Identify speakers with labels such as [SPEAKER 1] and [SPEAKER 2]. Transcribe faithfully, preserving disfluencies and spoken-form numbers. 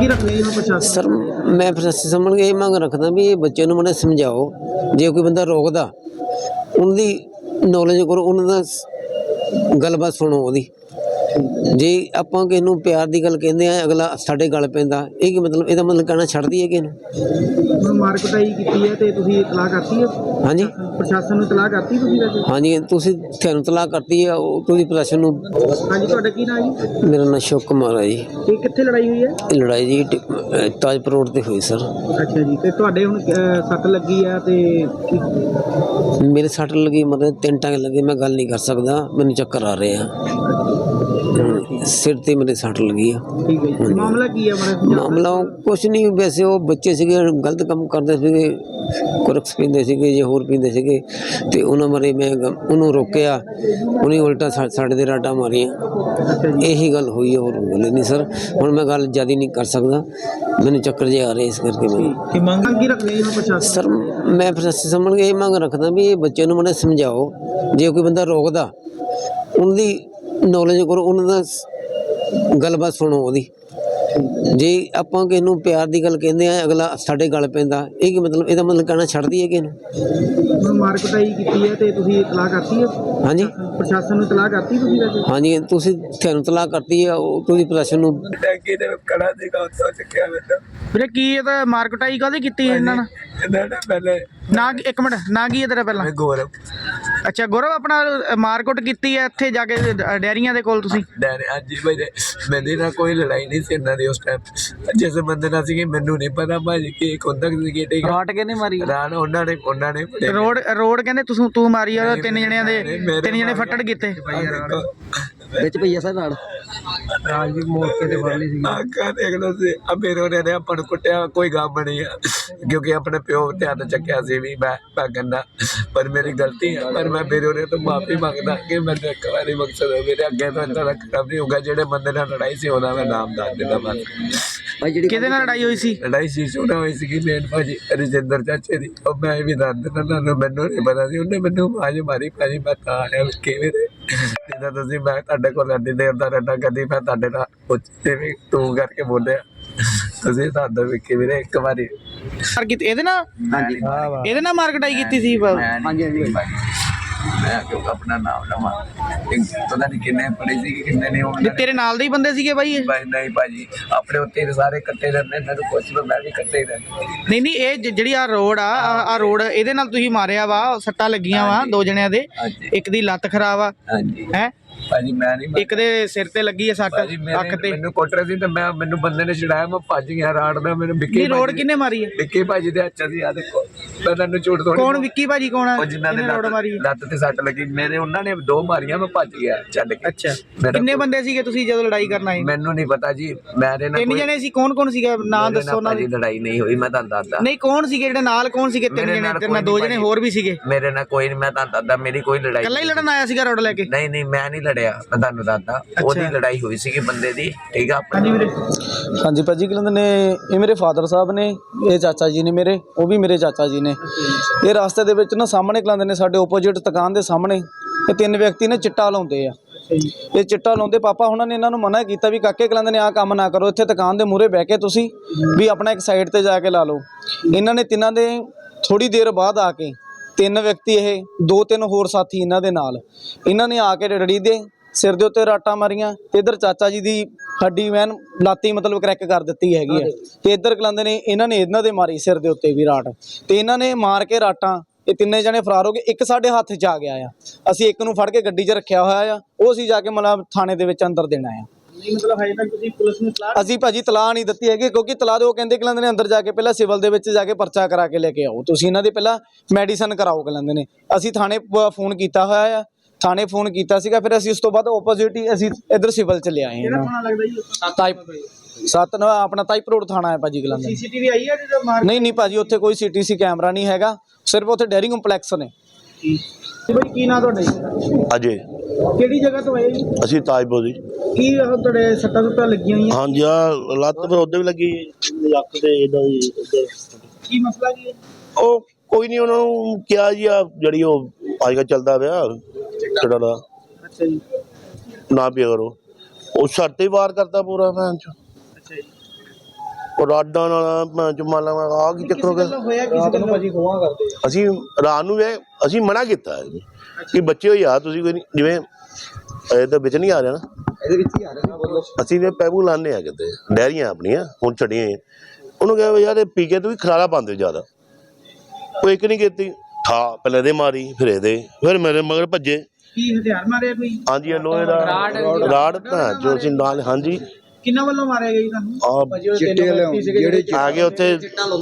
[SPEAKER 1] की रखनी है प्रशासन?
[SPEAKER 2] सर मैं प्रशासन समझ के ये मांग रखदा भी ये बच्चे नूं माड़ा समझाओ, जे कोई बंदा रोकदा उनकी नॉलेज करो, उन्होंने गलबात सुनो ओदी। जे आपां किसे नूं प्यार की गल कहंदे आ अगला साडे गल पैंदा, ये की मतलब इहदा मतलब कहना छड्ड दईए किसे नूं।
[SPEAKER 1] ਹੁਣ ਮਾਰ ਕੁਟਾਈ ਕੀਤੀ ਹੈ ਤੇ ਤੁਸੀਂ ਇਤਲਾਹ ਕਰਤੀ ਹੈ?
[SPEAKER 2] ਹਾਂਜੀ
[SPEAKER 1] ਪ੍ਰਸ਼ਾਸਨ ਨੂੰ ਇਤਲਾਹ ਕਰਤੀ ਤੁਸੀਂ ਵੈਸੇ?
[SPEAKER 2] ਹਾਂਜੀ ਤੁਸੀਂ ਤੁਹਾਨੂੰ ਤਲਾਕ ਕਰਤੀ ਹੈ ਉਹ ਤੁਸੀਂ ਪ੍ਰਸ਼ਾਸਨ ਨੂੰ।
[SPEAKER 1] ਹਾਂਜੀ ਤੁਹਾਡਾ ਕੀ ਨਾਮ ਜੀ?
[SPEAKER 2] ਮੇਰਾ ਨਾਂ ਸ਼ੁਭ ਕੁਮਾਰ ਹੈ ਜੀ।
[SPEAKER 1] ਇਹ ਕਿੱਥੇ ਲੜਾਈ ਹੋਈ ਹੈ?
[SPEAKER 2] ਇਹ ਲੜਾਈ ਜੀ ਟ- ਅਹ ਤਾਜਪੁਰ ਰੋਡ ਤੇ ਹੋਈ ਸਰ।
[SPEAKER 1] ਅੱਛਾ ਜੀ, ਤੇ ਤੁਹਾਡੇ ਹੁਣ ਅਹ, ਸੱਟ ਲੱਗੀ ਆ ਤੇ ਕੀ-
[SPEAKER 2] ਮੇਰੇ ਸੱਟ ਲੱਗੀ ਮਤਲਬ ਤਿੰਨ ਟਾਂਗੇ ਲੱਗੇ, ਮੈਂ ਗੱਲ ਨਹੀਂ ਕਰ ਸਕਦਾ, ਮੈਨੂੰ ਚੱਕਰ ਆ ਰਹੇ ਆ। ਹਮ, ਸਿਰ ਤੇ ਮੇਰੇ ਸੱਟ ਲੱਗੀ ਆ।
[SPEAKER 1] ਠੀਕ ਹੈ ਜੀ, ਮਾਮਲਾ ਕੀ ਹੈ ਮਾੜਾ?
[SPEAKER 2] ਮਾਮਲਾ ਕੁਛ ਨਹੀਂ, ਵੈਸੇ ਉਹ ਬੱਚੇ ਸੀਗੇ ਗਲਤ ਕੰਮ ਕਰਦੇ ਸੀਗੇ, ਕੁਰਕਸ ਪੀਂਦੇ ਸੀਗੇ ਜਾਂ ਹੋਰ ਪੀਂਦੇ ਸੀਗੇ, ਤੇ ਉਹਨਾਂ ਬਾਰੇ ਮੈਂ ਗ- ਉਹਨੂੰ ਰੋਕਿਆ, ਉਹਨੇ ਉਲਟਾ ਸਾ- ਸਾਡੇ ਦੇ ਰਾਟਾਂ ਮਾਰੀਆਂ। ਇਹੀ ਗੱਲ ਹੋਈ ਹੈ, ਹੋਰ ਗੱਲ ਨਹੀਂ ਸਰ। ਹੁਣ ਮੈਂ ਗੱਲ ਜ਼ਿਆਦਾ ਨਹੀਂ ਕਰ ਸਕਦਾ, ਮੈਨੂੰ ਚੱਕਰ ਜੇ ਆ ਰਹੇ ਇਸ ਕਰਕੇ ਮੈਂ।
[SPEAKER 1] ਕੀ ਮੰਗ ਕੀ ਰੱਖਣੀ ਹੈ ਪ੍ਰਸ਼ਾਸਨ?
[SPEAKER 2] ਸਰ ਮੈਂ ਪ੍ਰਸ਼ਾਸਨ ਸਮਝ ਕੇ ਇਹ ਮੰਗ ਰੱਖਦਾ ਵੀ ਇਹ ਬੱਚੇ ਨੂੰ ਮਾੜਾ ਸਮਝਾਓ, ਜੇ ਕੋਈ ਬੰਦਾ ਰੋਕਦਾ ਉਹਦੀ ਨੌਲੇਜ ਕਰੋ, ਉਹਨਾਂ ਦਾ ਗੱਲਬਾਤ ਸੁਣੋ ਉਹਦੀ। ਜੇ ਆਪਾਂ ਕਿਸੇ ਨੂੰ ਪਿਆਰ ਦੀ ਗੱਲ ਕਹਿੰਦੇ ਆ ਅਗਲਾ ਸਾਡੇ ਗਲ ਪੈਂਦਾ, ਇਹ ਕੀ मतलब ਇਹਦਾ मतलब ਕਹਿਣਾ ਛੱਡ ਦਈਏ ਕਿਸੇ ਨੂੰ।
[SPEAKER 1] ਹੁਣ ਮਾਰ ਕੁਟਾਈ ਕੀਤੀ ਹੈ ਤੇ ਤੁਸੀਂ ਇਤਲਾਹ ਕਰਤੀ ਹੈ?
[SPEAKER 2] ਹਾਂਜੀ
[SPEAKER 1] ਪ੍ਰਸ਼ਾਸਨ ਨੂੰ ਇਤਲਾਹ ਕਰਤੀ ਤੁਸੀਂ ਵੈਸੇ?
[SPEAKER 2] ਹਾਂਜੀ ਤੁਸੀਂ ਤੁਹਾਨੂੰ ਤਲਾਕ ਕਰਤੀ ਹੈ ਉਹ ਤੁਸੀਂ ਪ੍ਰਸ਼ਾਸਨ ਨੂੰ।
[SPEAKER 1] ਵੀਰੇ ਕੀ ਇਹ ਤਾਂ ਮਾਰ ਕੁਟਾਈ ਕਾਹਦੀ ਕੀਤੀ ਇਹਨਾਂ ਨੇ?
[SPEAKER 3] ਪਹਿਲੇ
[SPEAKER 1] ਨਾ ਇੱਕ ਮਿੰਟ, ਨਾ ਕੀ ਹੈ ਤੇਰਾ ਪਹਿਲਾਂ?
[SPEAKER 3] ਗੌਰਵ
[SPEAKER 1] ਅੱਛਾ ਗੌਰਵ, ਆਪਣਾ ਮਾਰਕੁੱਟ ਕੀਤੀ ਹੈ ਇੱਥੇ ਜਾ ਕੇ ਡ- ਡੈਰੀਆਂ ਦੇ ਕੋਲ ਤੁਸੀਂ?
[SPEAKER 3] ਡੈਰੇ ਅੱਜ ਮੇਰੇ ਮੇਰੇ ਨਾਲ ਕੋਈ ਲੜਾਈ ਨਹੀਂ ਸੀ ਇਹਨਾਂ ਦੀ ਉਸ ਟਾਈਮ। ਜਿਸ ਬੰਦੇ ਨਾਲ ਸੀ ਮੈਨੂੰ ਨਹੀਂ ਪਤਾ ਭਾਜੀ ਕਿ ਖੁੰਦਕ ਸੀ, ਠੀਕ
[SPEAKER 1] ਰਾਟ ਕਿਹਨੇ ਮਾਰੀ?
[SPEAKER 3] ਰਾਨ ਉਹਨਾਂ ਨੇ ਉਹਨਾਂ ਨੇ ਫੜਿਆ।
[SPEAKER 1] ਰੋਡ ਰੋਡ ਕਹਿੰਦੇ ਤੁਸੀਂ ਤੂੰ ਮਾਰੀ ਆ, ਤਿੰਨ ਜਣਿਆਂ ਦੇ ਤਿੰਨ ਜਣੇ ਫੱਟੜ ਕੀਤੇ
[SPEAKER 2] ਵਿੱਚ ਭਈਆ ਸਰ ਨਾਲ
[SPEAKER 1] ਰਾਜ ਵੀ ਮੌਕੇ ਤੇ ਫੜ ਲਈ ਸੀ।
[SPEAKER 3] ਆਖਾਂ ਦੇਖ ਲਓ ਸੀ ਆ ਮੇਰੇ ਉਹਨੇ ਨੇ ਆਪਾਂ ਨੂੰ ਕੁੱਟਿਆ, ਕੋਈ ਗਮ ਨਹੀਂ ਆ ਕਿਉਂਕਿ ਆਪਣੇ ਪਿਓ ਤੇ ਹੱਥ ਚੱਕਿਆ ਸੀ ਵੀ ਮੈਂ ਮੈਂ ਕਹਿੰਦਾ, ਪਰ ਮੇਰੀ ਗਲਤੀ ਹੈ, ਪਰ ਮੈਂ ਮੇਰੇ ਉਹਨੇ ਤੋਂ ਮਾਫੀ ਮੰਗਦਾ ਕਿ ਮੈਨੂੰ ਇੱਕ ਵਾਰੀ ਮਕਸਦ ਹੈ ਮੇਰੇ ਅੱਗੇ ਤੋਂ ਇੱਦਾਂ ਦਾ ਕੰਮ ਨਹੀਂ ਹੋਊਗਾ। ਜਿਹੜੇ ਬੰਦੇ ਨਾਲ ਲੜਾਈ ਸੀ ਉਹਦਾ ਮੈਂ ਨਾਮ ਦੱਸ ਦਿੰਦਾ ਬਸ।
[SPEAKER 1] ਕਿਹਦੇ ਨਾਲ ਲੜਾਈ ਹੋਈ ਸੀ?
[SPEAKER 3] ਲੜਾਈ ਸੀ ਉਹਨਾਂ ਹੋਈ ਸੀਗੀ ਮੇਨ ਭਾਜੀ ਰਜਿੰਦਰ ਚਾਚੇ ਦੀ। ਉਹ ਮੈਂ ਵੀ ਦੱਸ ਦਿੰਦਾ ਤੁਹਾਨੂੰ, ਮੈਨੂੰ ਨਹੀਂ ਪਤਾ ਸੀ, ਉਹਨੇ ਮੈਨੂੰ ਆਵਾਜ਼ ਮਾਰੀ ਭਾਜੀ ਮੈਂ ਤਾਂ ਆਇਆ ਕਿਵੇਂ ਦੇ ਜਿੱਦਾਂ ਤੁਸੀਂ, ਮੈਂ ਤੁਹਾਡੇ ਕੋਲ ਐਡੀ ਦੇਰ ਦਾ ਰਹਿਣਾ, ਕਦੀ ਮੈਂ ਤੁਹਾਡੇ ਨਾਲ ਪੁੱਛਦੇ ਵੀ ਤੂੰ ਕਰਕੇ ਬੋਲਿਆ, ਤੁਸੀਂ ਦੱਸੋ ਵੀ ਕਿਵੇਂ ਦੇ ਇੱਕ ਵਾਰੀ
[SPEAKER 1] ਮਾਰ ਕੀਤੀ ਇਹਦੇ ਨਾਲ?
[SPEAKER 3] ਹਾਂਜੀ
[SPEAKER 1] ਇਹਦੇ ਨਾਲ ਮਾਰ ਕੁਟਾਈ ਕੀਤੀ ਸੀ?
[SPEAKER 3] ਹਾਂਜੀ ਹਾਂਜੀ ਮੈਂ ਕਿਉਂ ਆਪਣਾ ਨਾਮ ਲਵਾਂ, ਪਤਾ ਨਹੀਂ ਕਿੰਨੇ ਪੜੇ ਸੀ ਕਿੰਨੇ ਨਹੀਂ ਹੋਣ।
[SPEAKER 1] ਤੇਰੇ ਨਾਲ ਦੇ ਹੀ ਬੰਦੇ ਸੀਗੇ ਬਾਈ ਇਹ?
[SPEAKER 3] ਬਾਈ ਨਹੀਂ ਭਾਜੀ ਆਪਣੇ ਉੱਤੇ ਸਾਰੇ ਇਕੱਠੇ ਰਹਿੰਦੇ, ਮੈਨੂੰ ਪੁੱਛ ਲਓ ਮੈਂ ਵੀ ਇਕੱਠੇ ਹੀ ਰਹਿੰਦਾ।
[SPEAKER 1] ਨਹੀਂ ਨਹੀਂ, ਇਹ ਜ- ਜਿਹੜੀ ਆ ਰੋਡ ਆ ਆ ਰੋਡ ਇਹਦੇ ਨਾਲ ਤੁਸੀਂ ਮਾਰਿਆ ਵਾ, ਸੱਟਾਂ ਲੱਗੀਆਂ ਵਾ ਦੋ ਜਣਿਆਂ ਦੇ, ਇੱਕ ਦੀ ਲੱਤ ਖਰਾਬ ਆ
[SPEAKER 3] ਹਾਂਜੀ
[SPEAKER 1] ਹੈ,
[SPEAKER 3] ਭਾਜੀ ਮੈਂ ਨਹੀਂ
[SPEAKER 1] ਇੱਕ ਦੇ ਸਿਰ ਤੇ ਲੱਗੀ ਆ ਸੱਟ
[SPEAKER 3] ਭਾਜੀ
[SPEAKER 1] ਅੱਖ
[SPEAKER 3] ਮੇਰੇ
[SPEAKER 1] ਤੇ।
[SPEAKER 3] ਮੈਨੂੰ ਕੁੱਟ ਰਹੇ ਸੀ ਤੇ ਮੈਂ ਮੈਨੂੰ ਬੰਦੇ ਨੇ ਛਡਾਇਆ, ਮੈਂ ਭੱਜ ਗਿਆ ਰਾੜ ਦਾ। ਮੈਨੂੰ ਵਿੱਕੀ
[SPEAKER 1] ਨਹੀਂ ਰੋਡ
[SPEAKER 3] ਭਾਜੀ-
[SPEAKER 1] ਕਿੰਨੇ ਮਾਰੀ ਹੈ?
[SPEAKER 3] ਵਿੱਕੀ ਭਾਜੀ ਦੇ ਹੱਥ ਸੀ, ਆ ਦੇਖੋ ਮੈਂ ਤੁਹਾਨੂੰ ਝੂਠ ਥੋੜੀ।
[SPEAKER 1] ਕੌਣ ਵਿੱਕੀ ਭਾਜੀ ਕੌਣ ਆ?
[SPEAKER 3] ਉਹ ਜਿਨ੍ਹਾਂ ਦੇ
[SPEAKER 1] ਇਹਨੇ ਰੋਡ ਮਾਰੀ ਹੈ?
[SPEAKER 3] ਲੱਤ ਤੇ ਸੱਟ ਲੱਗੀ ਮੇਰੇ, ਉਹਨਾਂ ਨੇ ਦੋ ਮਾਰੀਆਂ, ਮੈਂ ਭੱਜ ਗਿਆ ਛੱਡ ਕੇ।
[SPEAKER 1] ਅੱਛਾ,
[SPEAKER 3] ਮੇਰਾ
[SPEAKER 1] ਕਿੰਨੇ
[SPEAKER 3] ਕੋਈ-
[SPEAKER 1] ਬੰਦੇ ਸੀਗੇ ਤੁਸੀਂ ਜਦੋਂ ਲੜਾਈ ਕਰਨ ਆਏ?
[SPEAKER 3] ਮੈਨੂੰ ਨਹੀਂ ਪਤਾ ਜੀ, ਮੇਰੇ ਨਾਲ
[SPEAKER 1] ਤਿੰਨ
[SPEAKER 3] ਕੋਈ-
[SPEAKER 1] ਜਣੇ ਸੀ। ਕੌਣ ਕੌਣ ਸੀਗਾ ਨਾਂ
[SPEAKER 3] ਮੇਰੇ
[SPEAKER 1] ਦੱਸੋ
[SPEAKER 3] ਨਾਲ
[SPEAKER 1] ਉਹਨਾਂ
[SPEAKER 3] ਭਾਜੀ
[SPEAKER 1] ਦੇ।
[SPEAKER 3] ਲੜਾਈ ਨਹੀਂ ਹੋਈ, ਮੈਂ ਤੁਹਾਨੂੰ ਦੱਸਦਾ।
[SPEAKER 1] ਨਹੀਂ ਕੌਣ ਸੀਗੇ ਜਿਹੜੇ ਨਾਲ? ਕੌਣ ਸੀਗੇ? ਤਿੰਨ
[SPEAKER 3] ਮੇਰੇ
[SPEAKER 1] ਜਣੇ
[SPEAKER 3] ਨਾਲ
[SPEAKER 1] ਤੇਰੇ
[SPEAKER 3] ਕੋਈ
[SPEAKER 1] ਨਾਲ ਦੋ
[SPEAKER 3] ਨਹੀਂ
[SPEAKER 1] ਜਣੇ
[SPEAKER 3] ਭਾਜੀ।
[SPEAKER 1] ਹੋਰ ਵੀ ਸੀਗੇ?
[SPEAKER 3] ਮੇਰੇ ਨਾਲ ਕੋਈ ਨਹੀਂ, ਮੈਂ ਤੁਹਾਨੂੰ ਦੱਸਦਾ ਮੇਰੀ ਕੋਈ ਲੜਾਈ
[SPEAKER 1] ਇਕੱਲਾ ਹੀ ਲੜਨ ਆਇਆ ਸੀਗਾ ਰੋਡ ਲੈ ਕੇ?
[SPEAKER 3] ਨਹੀਂ ਨਹੀਂ ਮੈਂ ਨਹੀਂ ਲੜਿਆ, ਮੈਂ ਤੁਹਾਨੂੰ ਦੱਸਦਾ ਉਹਦੀ ਲੜਾਈ ਹੋਈ ਸੀਗੀ ਬੰਦੇ ਦੀ, ਠੀਕ ਆ ਆਪਣੀ।
[SPEAKER 4] ਹਾਂਜੀ ਭਾਜੀ ਕੀ ਕਹਿੰਦੇ ਨੇ, ਇਹ ਮੇਰੇ ਫਾਦਰ ਸਾਹਿਬ ਨੇ, ਇਹ ਚਾਚਾ ਜੀ ਨੇ ਮੇਰੇ, ਉਹ ਵੀ ਮੇਰੇ ਚਾਚਾ ਜੀ ਨੇ। ਇਹ ਰਸਤੇ ਦੇ ਵਿੱਚ ਨਾ ਸਾਹਮਣੇ ਕਲਾਉਂਦੇ ਨੇ, ਸਾਡੇ ਓਪੋਜਿਟ ਦੁਕਾਨ ਦੇ ਸਾਹਮਣੇ ਇਹ ਤਿੰਨ ਵਿਅਕਤੀ ਨੇ ਚਿੱਟਾ ਲਾਉਂਦੇ ਆ। ਇਹ ਚਿੱਟਾ ਲਾਉਂਦੇ ਪਾਪਾ ਉਹਨਾਂ ਨੇ ਇਹਨਾਂ ਨੂੰ ਮਨਾ ਕੀਤਾ ਵੀ ਕਾਕੇ ਕਲਾਉਂਦੇ ਨੇ ਆਹ ਕੰਮ ਨਾ ਕਰੋ, ਇੱਥੇ ਦੁਕਾਨ ਦੇ ਮੂਹਰੇ ਬਹਿ ਕੇ ਤੁਸੀਂ ਵੀ ਆਪਣਾ ਇੱਕ ਸਾਈਡ ਤੇ ਜਾ ਕੇ ਲਾ ਲਓ। ਇਹਨਾਂ ਨੇ ਤਿੰਨਾਂ ਦੇ ਥੋੜੀ ਦੇਰ ਬਾਅਦ ਆ ਕੇ ਤਿੰਨ ਵਿਅਕਤੀ, ਇਹ ਦੋ ਤਿੰਨ ਹੋਰ ਸਾਥੀ ਇਹਨਾਂ ਦੇ ਨਾਲ, ਇਹਨਾਂ ਨੇ ਆ ਕੇ ਰੜੀ ਦੇ ਸਿਰ ਦੇ ਉੱਤੇ ਰਾਟਾਂ ਮਾਰੀਆਂ ਤੇ ਇੱਧਰ ਚਾਚਾ ਜੀ ਦੀ ਹੱਡੀ ਵੈਨ ਲਾਤੀ ਮਤਲਬ ਕਰੈਕ ਕਰ ਦਿੱਤੀ ਹੈਗੀ ਹੈ, ਤੇ ਇੱਧਰ ਕਲਾਉਂਦੇ ਨੇ ਇਹਨਾਂ ਨੇ ਇਹਨਾਂ ਦੇ ਮਾਰੀ ਸਿਰ ਦੇ ਉੱਤੇ ਵੀ ਰਾਟ, ਤੇ ਇਹਨਾਂ ਨੇ ਮਾਰ ਕੇ ਰਾਟਾਂ ਇਹ ਤਿੰਨੇ ਜਣੇ ਫਰਾਰ ਹੋ ਗਏ। ਇੱਕ ਸਾਡੇ ਹੱਥ 'ਚ ਆ ਗਿਆ ਆ, ਅਸੀਂ ਇੱਕ ਨੂੰ ਫੜ ਕੇ ਗੱਡੀ 'ਚ ਰੱਖਿਆ ਹੋਇਆ ਆ, ਉਹ ਅਸੀਂ ਜਾ ਕੇ ਮਤਲਬ ਥਾਣੇ ਦੇ ਵਿੱਚ ਅੰਦਰ ਦੇਣਾ ਆ।
[SPEAKER 1] ਮਤਲਬ ਹਜੇ ਤੱਕ ਤੁਸੀਂ ਪੁਲਿਸ ਨੂੰ ਇਤਲਾਹ?
[SPEAKER 4] ਅਸੀਂ ਭਾਜੀ ਤਲਾਹ ਨਹੀਂ ਦਿੱਤੀ ਹੈਗੀ, ਕਿਉਂਕਿ ਤਲਾਹ ਦੇ ਉਹ ਕਹਿੰਦੇ ਕਿ ਲੈਂਦੇ ਨੇ ਅੰਦਰ ਜਾ ਕੇ ਪਹਿਲਾਂ ਸਿਵਲ ਦੇ ਵਿੱਚ ਜਾ ਕੇ ਪਰਚਾ ਕਰਾ ਕੇ ਲੈ ਕੇ ਆਓ, ਤੁਸੀਂ ਇਹਨਾਂ ਦੇ ਪਹਿਲਾਂ ਮੈਡੀਸਨ ਕਰਾਓ ਕਿ ਲੈਂਦੇ ਨੇ। ਅਸੀਂ ਥਾਣੇ ਫੋਨ ਕੀਤਾ ਹੋਇਆ ਆ, ਥਾਣੇ ਫੋਨ ਕੀਤਾ ਸੀਗਾ, ਫਿਰ ਅਸੀਂ ਉਸ ਤੋਂ ਬਾਅਦ ਓਪੋਜ਼ਿਟ ਹੀ ਅਸੀਂ ਇੱਧਰ ਸਿਵਲ ਚ ਲਿਆਏ
[SPEAKER 1] ਕਿਹੜਾ
[SPEAKER 4] ਹਾਂ।
[SPEAKER 1] ਥਾਣਾ ਲੱਗਦਾ ਜੀ?
[SPEAKER 4] ਤਾਈਪ ਸੱਤ ਨਾ ਆਪਣਾ ਤਾਈਪ ਰੋਡ ਥਾਣਾ ਹੈ ਭਾਜੀ ਗਲੰਦ।
[SPEAKER 1] ਸੀਸੀਟੀਵੀ ਆਈ ਹੈ ਜਦੋਂ ਮਾਰ?
[SPEAKER 4] ਨਹੀਂ ਨਹੀਂ ਭਾਜੀ ਉੱਥੇ ਕੋਈ ਸੀਟੀਸੀ ਕੈਮਰਾ ਨਹੀਂ ਹੈਗਾ, ਸਿਰਫ ਉੱਥੇ ਡੇਅਰੀ ਕੰਪਲੈਕਸ ਨੇ।
[SPEAKER 1] ਬਾਈ ਕੀ ਨਾਂ ਤੁਹਾਡਾ ਜੀ?
[SPEAKER 5] ਅਜੇ
[SPEAKER 1] ਕਿਹੜੀ ਜਗ੍ਹਾ ਤੋਂ ਆਏ ਜੀ?
[SPEAKER 5] ਅਸੀਂ ਤਾਜਪੁਰ ਦੀ।
[SPEAKER 1] ਕੀ ਉਹ ਤੁਹਾਡੇ ਸੱਟਾਂ ਸੁੱਟਾਂ ਲੱਗੀਆਂ ਹੋਈਆਂ?
[SPEAKER 5] ਹਾਂਜੀ ਆ ਲੱਤ ਪਰ ਉਹਦੇ ਵੀ ਲੱਗੀ, ਲੱਕ ਤੇ ਇਦਾਂ ਦੀ ਇੱਧਰ।
[SPEAKER 1] ਕੀ ਮਸਲਾ ਕੀ ਹੈ?
[SPEAKER 5] ਉਹ ਕੋਈ ਨਹੀਂ, ਉਹਨਾਂ ਨੂੰ ਕਿਹਾ ਜੀ ਆ ਜਿਹੜੀ ਉਹ ਅੱਜ ਕੱਲ੍ਹ ਚੱਲਦਾ ਪਿਆ ਚਿੱਟਾ ਦਾ
[SPEAKER 1] ਅੱਛਾ ਜੀ,
[SPEAKER 5] ਨਾ ਪਿਆ ਕਰੋ, ਉਹ ਛੱਡ ਤੇ ਵਾਰ ਕਰਦਾ ਪੂਰਾ ਭੈਣ ਚ।
[SPEAKER 1] ਅੱਛਾ ਜੀ,
[SPEAKER 5] ਉਹ ਰਾਡਾਂ ਨਾਲ ਮੈਂ ਮੰਨ ਲਾ ਆ ਕੀ ਚੱਕਰ ਹੋ ਗਿਆ।
[SPEAKER 1] ਹੋਇਆ ਕਿਸ ਗੱਲ
[SPEAKER 4] ਭਾਜੀ ਖੋਆ ਕਰਦੇ
[SPEAKER 5] ਅਸੀਂ ਰਾਤ ਨੂੰ ਇਹ ਅਸੀਂ ਮਨਾ ਕੀਤਾ ਹੈ ਜੀ ਕਿ ਬੱਚੇ ਹੋ ਯਾਰ ਤੁਸੀਂ ਕੋਈ ਨਹੀਂ, ਜਿਵੇਂ ਇਹਦੇ ਵਿੱਚ ਨਹੀਂ ਆ ਰਿਹਾ ਨਾ,
[SPEAKER 4] ਇਹਦੇ ਵਿੱਚ ਹੀ ਆ ਰਿਹਾ ਬੋਲੋ।
[SPEAKER 5] ਅਸੀਂ ਨੇ ਪੈਪੂ ਲਾਣੇ ਆ ਕਿਤੇ ਡੈਰੀਆਂ ਆਪਣੀਆਂ ਹੁਣ ਛੱਡੀਆਂ ਹੋਈਆਂ। ਉਹਨੂੰ ਕਿਹਾ ਵੀ ਯਾਰ ਇਹ ਪੀ ਕੇ ਤੂੰ ਵੀ ਖਲਾਰਾ ਪਾਉਂਦੇ ਜ਼ਿਆਦਾ। ਉਹ ਇੱਕ ਨਹੀਂ ਕੀਤੀ ਠਾ ਪਹਿਲੇ ਇਹਦੇ ਮਾਰੀ ਫਿਰ ਇਹਦੇ ਫਿਰ ਮੇਰੇ ਮਗਰ ਭੱਜੇ।
[SPEAKER 1] ਕੀ ਹਥਿਆਰ ਮਾਰਿਆ ਕੋਈ?
[SPEAKER 5] ਹਾਂਜੀ ਇਹ ਲੋਹੇ ਦਾ ਰਾੜ ਭੈਣ ਜੋ ਅਸੀਂ ਨਾਲ ਹਾਂਜੀ
[SPEAKER 1] ਕਿੰਨਾ ਵੱਲੋਂ ਮਾਰਿਆ ਗਿਆ ਜੀ ਤੁਹਾਨੂੰ?
[SPEAKER 5] ਆ
[SPEAKER 4] ਚਿੱਟੇ ਜਿਹੜੇ
[SPEAKER 5] ਆ ਗਏ ਉੱਥੇ